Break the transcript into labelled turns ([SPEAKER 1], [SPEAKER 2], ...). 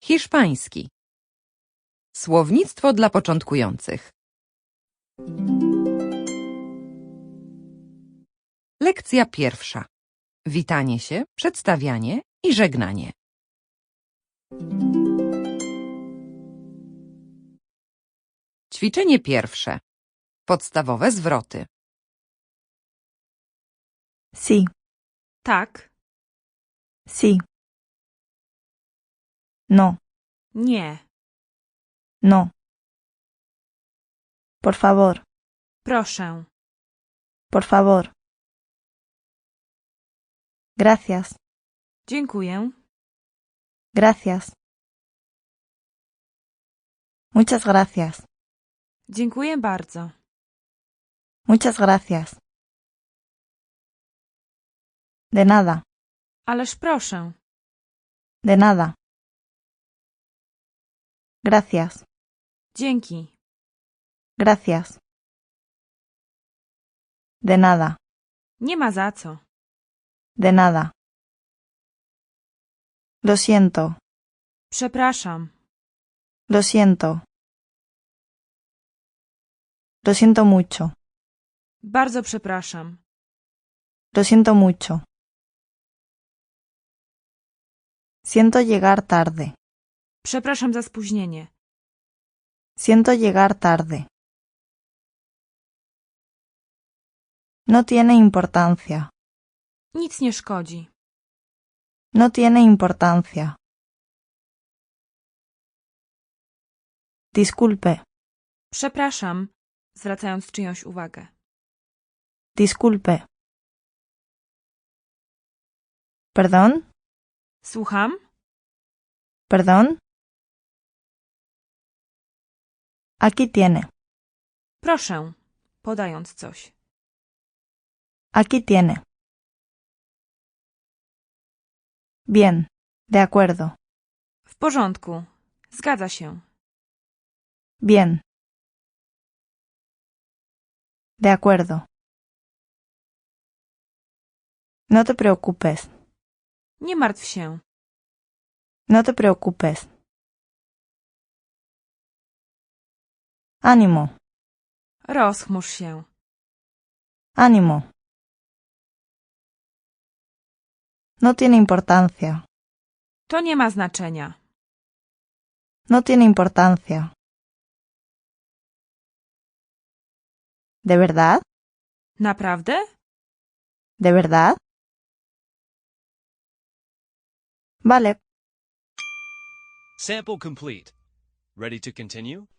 [SPEAKER 1] Hiszpański. Słownictwo dla początkujących. Lekcja pierwsza. Witanie się, przedstawianie i żegnanie. Ćwiczenie pierwsze. Podstawowe zwroty.
[SPEAKER 2] Sí,
[SPEAKER 3] Tak,
[SPEAKER 2] sí. No,
[SPEAKER 3] nie,
[SPEAKER 2] no. Por favor,
[SPEAKER 3] proszę,
[SPEAKER 2] por favor. Gracias,
[SPEAKER 3] dziękuję,
[SPEAKER 2] gracias. Muchas gracias,
[SPEAKER 3] dziękuję bardzo,
[SPEAKER 2] muchas gracias. De nada,
[SPEAKER 3] ależ proszę,
[SPEAKER 2] de nada. Gracias,
[SPEAKER 3] dzięki,
[SPEAKER 2] gracias. De nada,
[SPEAKER 3] nie ma za co,
[SPEAKER 2] de nada. Lo siento,
[SPEAKER 3] przepraszam,
[SPEAKER 2] lo siento. Lo siento mucho,
[SPEAKER 3] bardzo przepraszam,
[SPEAKER 2] lo siento mucho. Siento llegar tarde,
[SPEAKER 3] przepraszam za spóźnienie,
[SPEAKER 2] siento llegar tarde. No tiene importancia,
[SPEAKER 3] nic nie szkodzi,
[SPEAKER 2] no tiene importancia. Disculpe,
[SPEAKER 3] przepraszam, zwracając czyjąś uwagę,
[SPEAKER 2] disculpe. ¿Perdón?
[SPEAKER 3] słucham,
[SPEAKER 2] ¿Perdón? Aquí tiene,
[SPEAKER 3] proszę, podając coś,
[SPEAKER 2] aquí tiene. Bien, de acuerdo,
[SPEAKER 3] w porządku, zgadza się,
[SPEAKER 2] bien. De acuerdo. No te preocupes,
[SPEAKER 3] nie martw się,
[SPEAKER 2] no te preocupes. Ánimo,
[SPEAKER 3] rozchmurz się,
[SPEAKER 2] ánimo. No tiene importancia,
[SPEAKER 3] to nie ma znaczenia,
[SPEAKER 2] no tiene importancia. ¿De verdad?
[SPEAKER 3] naprawdę?
[SPEAKER 2] ¿De verdad? Vale.
[SPEAKER 4] Sample complete. Ready to continue?